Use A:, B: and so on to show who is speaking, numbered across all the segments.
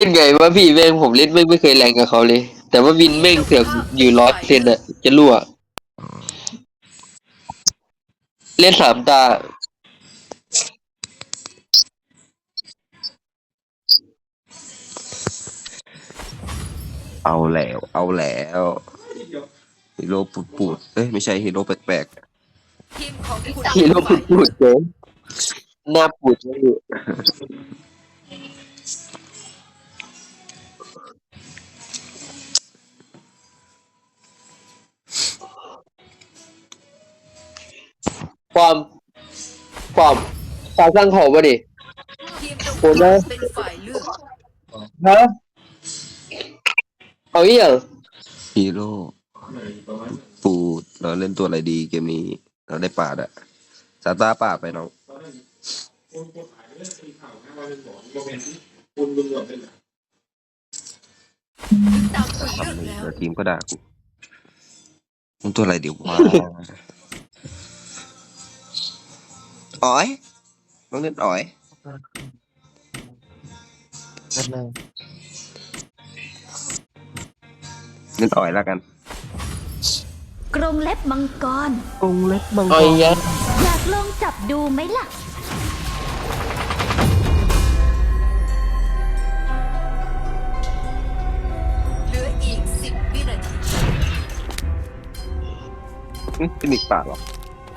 A: เป็นไงวะพี่แม่งผมเล่นไม่เคยแรงกับเขาเลยแต่ว่าวินแม่งเสือกอยู่100%อะจะรั่วเล่น3 ตา
B: เอาแล้วเอาแล้วฮีโร่ปูดเอ้ยไม่ใช่ฮีโร่แปลก
C: ทีมของคุณ
A: ฮีโร่พูดเกินหน้าปูดไม่อยู่ความความสร้างของวะดิ
C: ทีมตรง
A: โอ้โห
C: ข้ามเป็นฝ่ายเลือก
A: ฮะเอาอีกอย่าง
B: ๆฮีโร่ปูดเราเล่นตัวอะไรดีเกมนี้เราได้ปาดอะซาตาปาดไปน้อง
C: ตามคุณเลือก
B: ทำเลย
C: แล้ว
B: เดี๋ยวทีมก็ด่ากูมึงตัวอะไรเดี๋ยววะอ๋อยต้องเล่นอ๋อยเล่นอ๋อยแล้วกัน
D: กรงเล็บมังกร
B: องเล็กบัง
A: เอาอีกอย่าง
D: อยากลองจับดูไหมล่ะ
C: เหลืออีก10 วินาที
B: เป็นอีกปากหรอ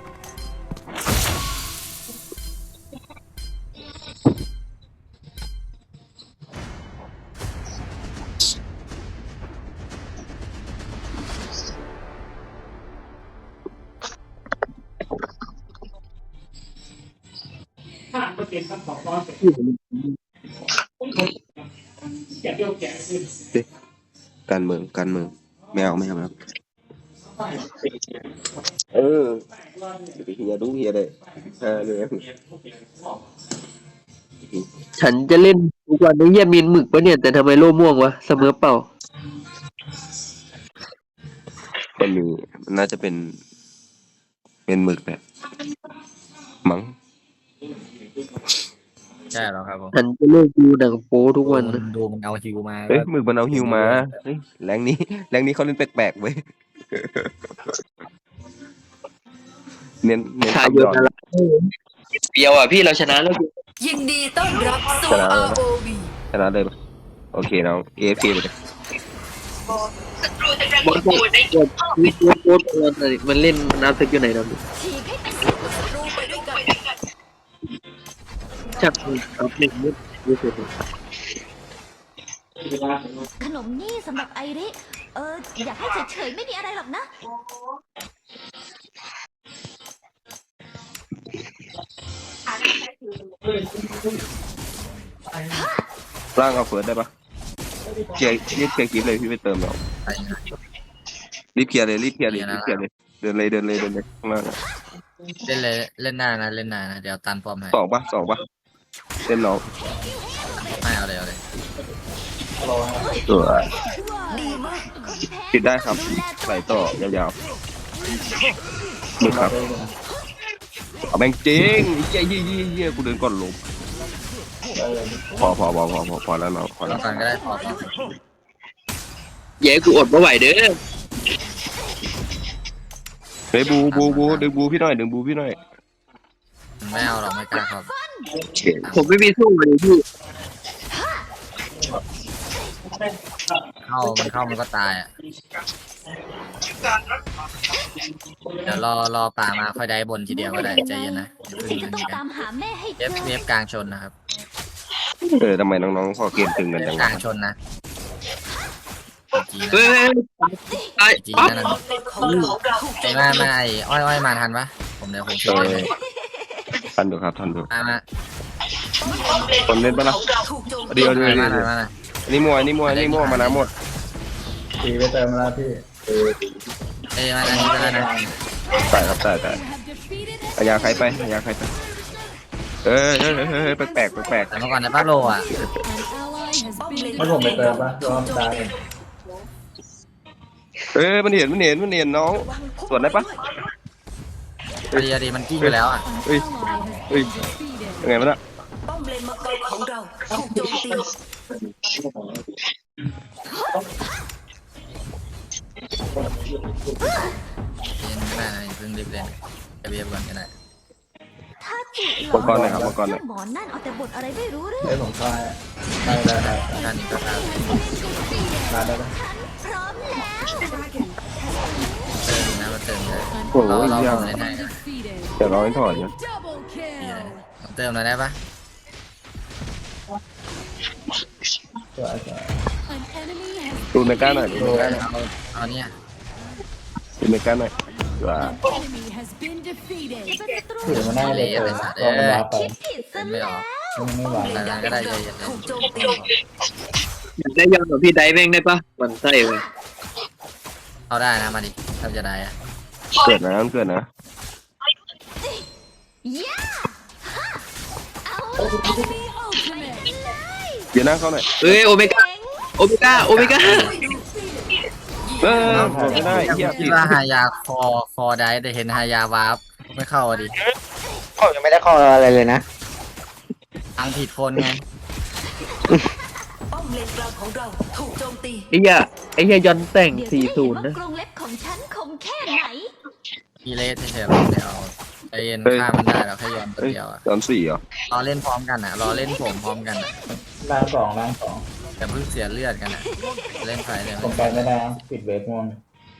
B: การเมืองไม่เอาเออเฮียดูเฮียเลยเลย
A: ฉันจะเล่นทุกวันนี้เยี่ยมีนหมึกปะเนี่ยแต่ทำไมโล่ม่วงวะเสมอเปล่า
B: มันมีมันน่าจะเป็นหมึกแหละมั้ง
E: ใช่แล้วครับผม
A: ฉันจะเลิกดูหนังโป๊ทุกวันนะ
E: ดูมันเอาฮิวมา
B: เอ้ยหมึกมันเอาฮิวมาเฮ้ยแรงนี้เขาเล่นแปลกๆเว้ยเน้น
A: ชาย
B: คำ
A: โย
B: หย
A: น
B: อด
A: อะไรเดียวอ่ะพี่เราชนะแล้ว
C: ยินดีต้อนรับสู่ ROV
B: ชนะเลยปะโอเคน้อง AFK ไปเลย
A: บอลโป๊มีโป๊มันเล่นน้ำซึกอยู่ไหนนะ
D: ฉีกให้เป็น
C: ศัตรูไปด้วยกัน
A: ชักครับหนึ่งนิดรู้สึก
D: ขนมนี่สำหรับไอริ อยากให้เฉยๆไม่มีอะไรหรอกนะ
B: ร่างเอาเฟิร์สได้ปะเคลียร์รีบเคลียร์คลิปเลยพี่ไปเติมเรารีบเคลียร์เลยเดินเลยข้างล่างอะ
E: เล่นเลยเล่นหน้านะเดี๋ยวตันปอมให้
B: สองปะเล่นน้อง
E: ไม่เอาเลย
B: ตัว
C: ดีมาก
B: ปิดได้ครับไหลต่อยาวๆมึงครับเอาแบงจริงเยี่ยกูเดินก่อนลมพอแล้วน้องพอ
E: แล้
B: แล้ว ว
E: กันก็ได้พอ
A: แย่กูอดไม่ไหวเด้อ
B: เฮ้ยบูดึงบูพี่หน่อย
E: ไม่เอาหรอกไม่กล้าครับ
A: ผมไม่มีสู้เลยพี่
E: เข้ามันก็ตายอ่ะเดี๋ยวรอป่ามาค่อยได้บนทีเดียวก็ได้ใจเย็นนะ
D: พี่จะต้องตามหาแม่ให้เจ
E: เว
D: อ
E: ฟกลางชนนะครับ
B: ทำไมน้องๆพอเกมตึงกันจัง
E: กลางชนนะจี
A: เฮ้ยไอ้
E: จี
A: ปั๊บ
E: นั่น
C: ป้อมเลนของเราถูกโจม
E: มา
C: ตี
E: ไอ้อ้อยมาทันปะเดี๋ยวผมช่วยเลย
B: ทันดูครับ
E: มา
B: คนเล่นปะล่ะ
C: ถูกโจมตี
B: เดี๋ยว
E: มาหน่อย
B: อันนี้มัวมานะหมด
F: ตีไปเติมแล้วพี่
E: มาอันนี้ก็ได้นะ
B: ตายอายาใครไปเอ้ยแปลก
E: แต่เมื่อก่อนในบ้านโลอ่ะ
C: ป้อมเลน
F: ให้ผมไปเติมปะรอบตาย
B: มันเห็นน้องสวนได้ปะ
E: ดีมันกิ้งไปแล้วอ่ะ
B: เฮ้ยยังไงมันอะ
C: ป้อมเลนมังกรของเราถูกโจมตี
E: เล่นไม่ได้นะเพิ่งรีบเล่นจะเบียบก่อนก็ได้
D: ถ้าจิหล
B: มังกรหน่อยครับมังกรหน่อย
D: หมอนนั่นเอาแต่บทอะไรไม่รู้เรื่อง
F: เฮ้ยผมทายได้
E: ด้านนี้ก็ได้
F: ได้ไหม
D: พร้อมแล้ว
E: เติมนะมาเติมเลย
B: โอ้โห
E: เรา
B: เหี้ย
E: ผมเล่นให้นะ
B: เดี๋ยวเราให้ถอยนะ
E: เติมหน่อยได้ปะ
F: สวย
B: ดูเมก้าหน่อยดูเมก้า
E: เอาเนี่ย
B: ดูเมก้าหน่อยว่า
F: ถือมาหน้าเลยลองกันรับไป
D: คิดผิดซะ
E: ไม่
D: แล้
E: อ
D: ว
E: อก
F: ไม่ไหว
E: แต่นั้นก็ได้ใจเย็น
C: ถูกโจมตี
A: อยากได้ยอมกับพี่ไดแม่งได้ปะมันไส้เลย
E: เอาได้นะมาดิถ้าจะได้อะ
B: เกิดนะเกิดนะ
D: ย่าฮะเอา
B: เดี๋ยวนั่งเข้าหน่อย
A: เอ้ยโอเมก้าโอเมก้าโอเมก้า
B: ไม่ได้เหี้ย
E: คิ
B: ผิ
E: ด
B: ด
E: ว่าหายาคอได้แต่เห็นหายาวาร์ปไม่เข้าอ่ะดิ
G: ผมยังไม่ได้ข้ออะไรเลยนะ
E: ทางผิดคนไง
C: ป้อมเลนกลางของเราถูกโจมตี
A: ไอ้เหี้ยยอนแต่ง
D: เดี๋ยวจะได้เห็นว่า
A: 40นะ
D: กรงเล็บของฉันคมแค่ไหน
E: อีเลสเฉยๆเดี๋ยวใจเย็นฆ่ามันได้แล้วแค่ยอมตัว
B: เฮ้ย
E: เดียวอะ
B: 34เหรอ
E: รอเล่นพร้อมกันอ่ะรอเล่นผมพร้อมกันอ่ะ
F: ล่างสอง
E: แต่เพิ่งเสียเลือดกันอ่ะเล่นไฟเลย
F: ผมไปไม่ได้ปิดเวทม่วง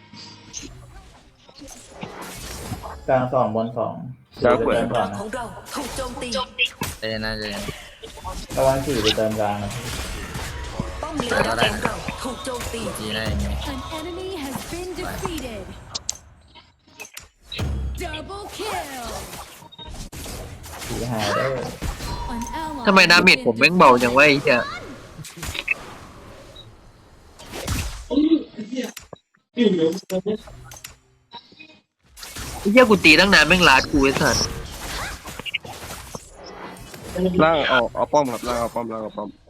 F: กลางสองบนสอง
B: กลางเปิด
F: เติม
C: ก
F: ก่อ
C: ลาน ง
F: นะ
C: ของเราถูกโจมตี
E: เล่นนะเล่น
F: ระวังสี่ไปเติมกลางนะ
C: ป้อมเลนกลางของเราถูกโจมตี
E: จีได้ยังไง
H: An enemy has been defeated. Double kill.
F: สี่หายได้
H: An ally
A: ทำไมดา
H: has
A: เมจ
H: been
A: ผมแม่งเบาจังวะไอ้เหี้ยไอ้เหี้ยกูตีตั้งนานแม่งลาดกูไอ้สัส
B: ล่างเอาป้อมครับล่างเอาป้อมล่างเอาป้อม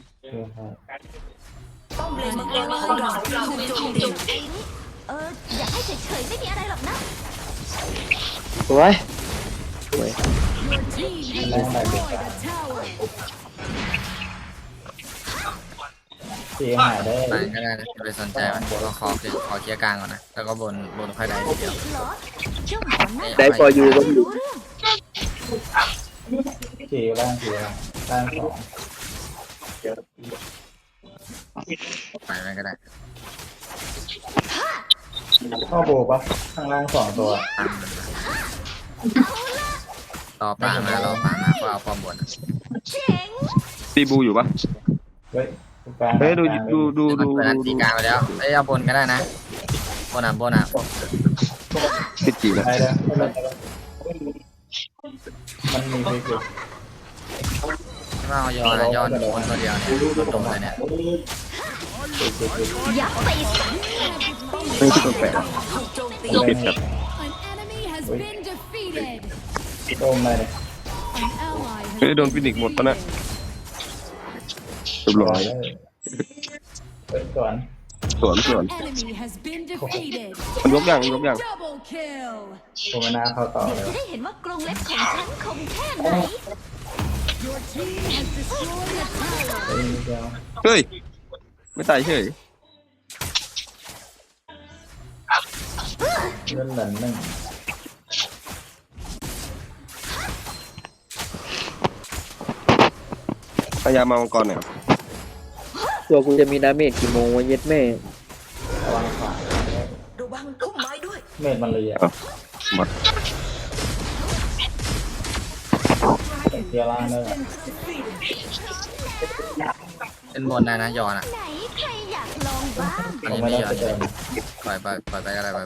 C: ป้อมเลนมังกรของเราถูกโจมตี
D: อยากให้เฉยๆไม่มีอะไรหรอกนะ
G: สวย
H: Your team has destroyed a tower.
F: สี่หายได้
E: ไปก็ได้นะอย่าไปสนใจมันเราขอเคลียร์กลางก่อนนะแล้วก็บนค่อยได้ทีเดียว
D: เหรอเจ้าหมอนนั่น
A: ได้พออยู่ก็อยู่
D: รู้เรื่อง
F: สี่ล่างล่างสอง
E: ไปมันก็ได้
F: ข้อโบปะข้างล่างสองตัว
E: รอป่ามารอป่ามาก็เอาป้อมบน
D: เจ๋ง
B: ตีบูอยู่ปะ
F: เฮ้ยกลาง
B: เฮ้ยดู
E: มันเปิดตีกลางไปแล้วเอ้ยเอาบนก็ได้นะบนอ่ะ
B: ติดจีแล้ว
F: ได้แล้วมันมีไปอยู่
E: ว่าเอาย้อนบนตัวเดียวเนี่ยตรงเลยเนี่ย
D: อยากไปสัก
B: ไม่ใช่ตัวแปลก
C: ถูกโจมตี
B: ติดกับ
H: An enemy has been defeated.
F: โดนอะไรเนี่ย
H: An ally has
B: เฮ้ยโดน
H: been
B: ฟินิกหมดปะนะ
H: defeated.
B: เรียบร้อย
F: เป็นก่อน
B: สวน
H: An enemy has been defeated.
B: มันยกอย่าง
H: Double kill.
F: ผมไม่น่าเข้าต่อ
D: เดี๋ยว
F: เลย
D: จะได้เห็นว่ากรงเล็บของฉันคมแค่ไหน
H: Your team has destroyed a tower.
F: เฮ้ยเดียว
B: เฮ้ยไม่ตายเฉย
F: เล่นหลันหนึ่ง
B: พยายามมามังกรหน่อย
A: ตัวกูจะมีดาเมจกี่โมงวะเย็ดแม่
F: ระวังขวา
C: ระวังพุ่มไม้ด้วย
F: เมดมันเลยอ่ะ
B: หมด
F: เทียร่างได้
E: เป็นบนได้นะย้อนอ่ะ
D: ไหนใครอยากลองบ้าง
E: อัน
F: ผม
E: นี้
F: ไม่
E: ไม่
F: ได้
E: ย้อ
F: ไป
E: น
F: เติม
E: ปล่อยไปก็ได้ก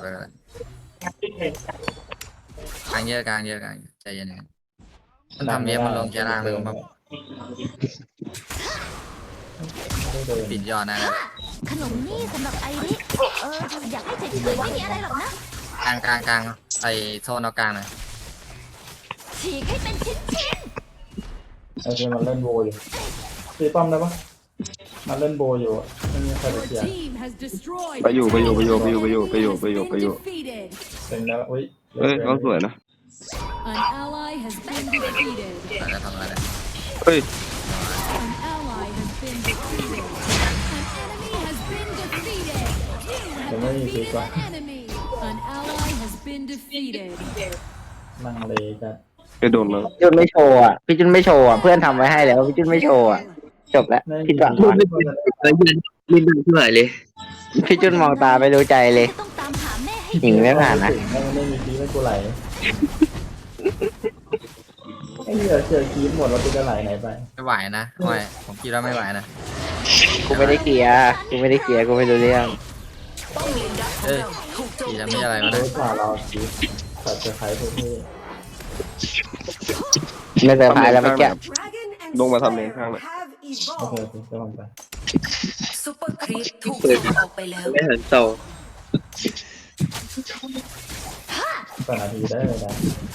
E: ลางเยอะใจเย็นมันทำเยอะมันลงแค่ล่างเลยแบบ
F: ไม่ได้เดิน
E: ปิดย้อนนะ
D: ขนมนี่สำหรับไอริอยากให้เฉยๆไม่มีอะไรหรอกนะ
E: กลางใส่โซนเอากลางหน่อย
D: ฉีกให้เป็นชิ้น
F: ไอ้ที่มันเล่นโบอยู่ตีป้อมได้ปะมันเล่นโบอยู่ไม่มีใครไป
H: Your
F: เสีย
H: team has destroyed
B: ไปอยู่
H: a tower.
B: ไปอยู่
H: An enemy has been defeated.
F: เป็นแล้วอุ้ย
B: เฮ้ยเขาสวยนะ
H: An ally has been defeated.
E: แต่จะทำอะไรได้
B: เฮ้ย
H: An ally has been defeated.
F: ไม่มีปี
H: defeated
F: กว่า
H: an enemy. An ally has been defeated.
F: ลังเลกัน
B: ไปโดนแล้ว
G: พี่จุนไม่โชว์อ่ะพี่จุนไม่โชว์อ่ะเพื่อนทำไว้ให้แล้วพี่จุนไม่โชว์อ่ะจบแล้ว
F: ไม่มี
G: พี่จุน
F: ปีก
A: ยืนดังเท่าไหร่เลย
G: พี่จุนมองตาไม่รู้ใจเลย
D: จะต้องตามหาแม่ให้
G: หญิงไม่ผ่านนะ
F: ไม่มีปีไม่กูไหลไอ้เหี้ยเจอคีบหมดแล้วกูจะไหลไหนไป
E: ไม่ไหวนะไม่ผมคิดว่าไม่ไหวนะ
G: กูไม่ได้เคลียร์กูไม่ได้เคลียร์กูไม่รู้เรื่อง
C: ป้อมเลนดักของ
E: เอ้ย
C: เราถูกโจม
E: ที
C: ตี
E: แล้วไม่อะไรมา
F: โด
E: นะ
F: ยผ่าเราคีบตัดจะใครพวกนี้
G: ไม่เซอร์ไพรส์แล้วเมื่อกี้
B: ลงมาทำเลนข้างเลย
F: โอเคโอเคจะลองไป
C: ซุปเปอร์ครีปถูกส่งออกไปแล้ว
A: ไม่หันต่อ
F: ต่อนาทีได้เลยนะ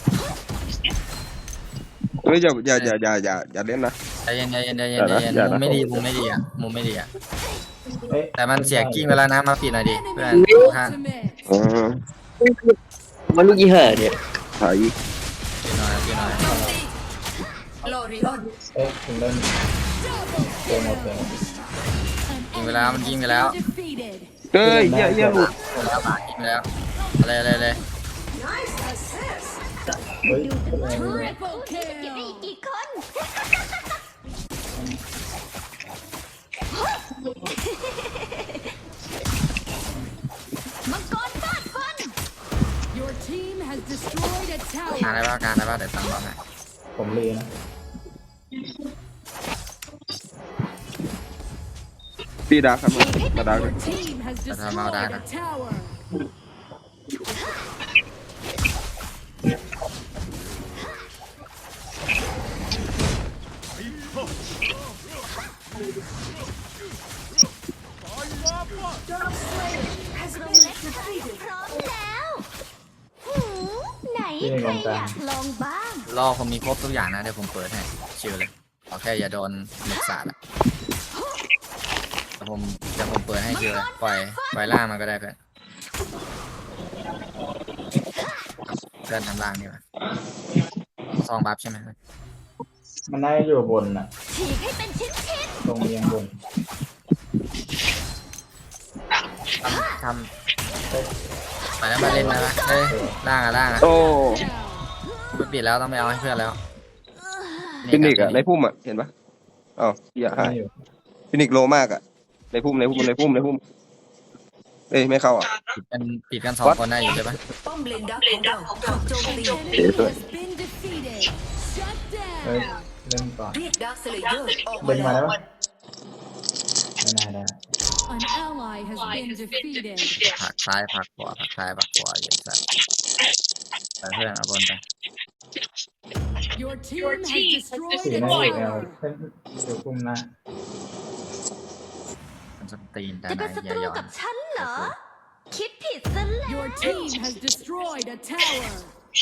B: เฮ้ยอย่าเล่นนะ
E: ใจเย็นใจเย็นใจเย็นใจเย็น
B: อย่านะ
E: มุมไม่ดีมุมไม่ดีอ่ะมุมไม่ดีอ่ะ
F: เอ๊ะ
E: แต่มันเสียกิ้งไปแล้วนะมาปิดหน่อยดิเพื่อนข้าง
H: Ultimate.
B: อ๋อ
A: มันลูกยี่ห้อเนี่ย
B: ถ่าย
E: ปิดหน่อยปิดหน่อย
C: ลอริออน
F: เอ๊ะถึงเล่นเกมหมดเลย
E: ยิงไปแล้วมันยิงไปแล้ว
H: Defeated.
B: เฮ้ยเหี้ยหลุด
E: แล้วบาดยิงไปแล้วอะไร
F: เฮ้ย
H: Triple
D: เก็บได้
H: kill.
D: อีกกี่คน มังกรฟาดฟัน
H: Your team has destroyed a
E: การ
H: tower.
E: ได้ป่ะการได้ป่ะเดี๋ยวตั้งบอลให้
F: ผมรีนะ
B: ตีดาร์คครับมาดาร์ค
H: Your team has destroyed a tower.
D: พร้อมแล้วหืไหนใครอยากลองบ้าง
E: รอผมมีครบทุกอย่างนะเดี๋ยวผมเปิดให้ชิวเลยขอแค่อย่าโดนหมึกสาดอะแต่ผมเปิดให้ชิวเลยปล่อยล่างมันก็ได้เพื่อนเพื่อนทำล่างดีกว่าซองบัฟใช่ไหม
F: มันน่าจะอยู่บนน่ะ
D: ฉีกให้เป็นชิ้น
F: ตรงเรียงบน
E: ทำไปแล้วมาเล่นมาละเฮ้ยล่างอะ
B: โอ้
E: ไม่ปิดแล้วต้องไปเอาให้เพื่อนแล้ว
B: ฟินิกอะในพุ่มอะเห็นปะอ๋ออย่าหาย
F: อยู่
B: ฟินิกโลมากอะในพุ่มเอ้ยไม่เข้าอ่ะ
E: ปิดกันสองคนได้อยู่ใช่ปะ
C: ป้อมเลนดักของเราถูกโจมตี
H: Enemy has been defeated. Shut
F: เฮ้ย
H: down.
F: เล่นก่อน
C: เรียกดักสเลเยอร์ออก
F: เดิ
C: มาน
F: มา
C: แล้
F: ได้
C: ว
F: ปะไม่น่าได้
H: An ally has been defeated.
E: ผักซ้ายผักขวาผักซ้ายผักขวาเย็นสัตว์ไปเพื่อนเอาบนไป
H: Your team has
F: สี
H: destroyed a
F: หน้าอยู่แอล
H: tower.
F: เล่นอยู่คุมหน้า
E: มันจะตีนแต่
D: จะ
E: ไหน
D: เป็นศั
E: อ
D: ต
E: ย่า
D: รู
E: ย้อน
D: กับฉันเหรอ คิดผิดซะแล้ว
H: Your team has destroyed a tower.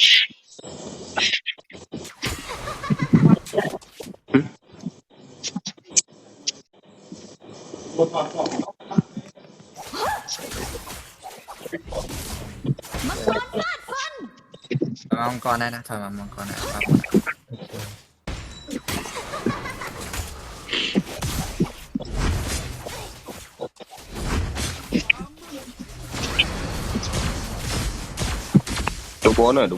D: มังกรฟาดฟัน
E: มามังกรได้นะถอยมามังกรได้ครับ
B: ดูโบนหน่อย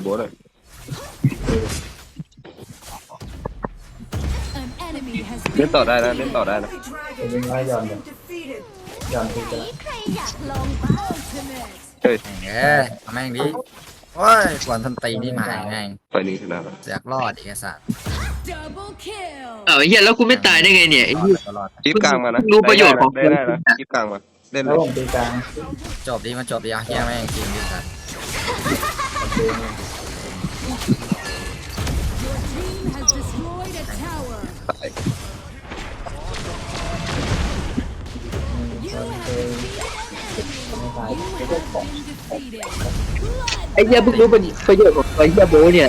H: An enemy has
B: เล่น
H: been
B: ต่อได้นะ
H: defeated.
F: จะวิ่งไล่ย้อนเลยย้อนที่จะ
D: นี่ใครอยากลองบ้าง
H: Ultimate.
B: เฮ้ย
E: แม่งเอาแม่งดิโอ้ยกวนทันตีนี่มาไง
B: ไฟนี้ชนะแล้ว
E: เสียกรอดอีกไอ้สัตว์
H: Double kill.
A: อ้าวไอ้เหี้ยแล้วกูไม่ตายได้ไงเนี่ยไอ้เหี้ย
E: ตลอด
B: คลิปกลางมานะ
A: รู้ประโยชน์ของ
B: ได้นะคลิปกลางมาเล่น
F: แล้
B: เล
F: วย ผมตีกลาง
E: จบดีมันจบดีอ่ะเฮียแม่งจริงดิสัตว์
F: ผมตี
H: Your team has destroyed a tower.
B: ตาย
H: You have been defeated.
A: ไอ้เหี้ยเพิ่งรู้ประโยชน์ของไอ้เหี้ยโบเนี่ย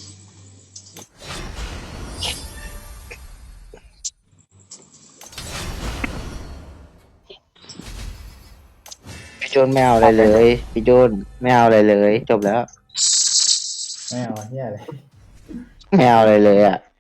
H: An
G: จูนไม่เอาอะไรเลยพี่จูนไม่เอาอะไรเลย จบแล้ว
F: ไม่เอาเฮียอะไร
G: ไม่เอาอะไรเลยอ่ะ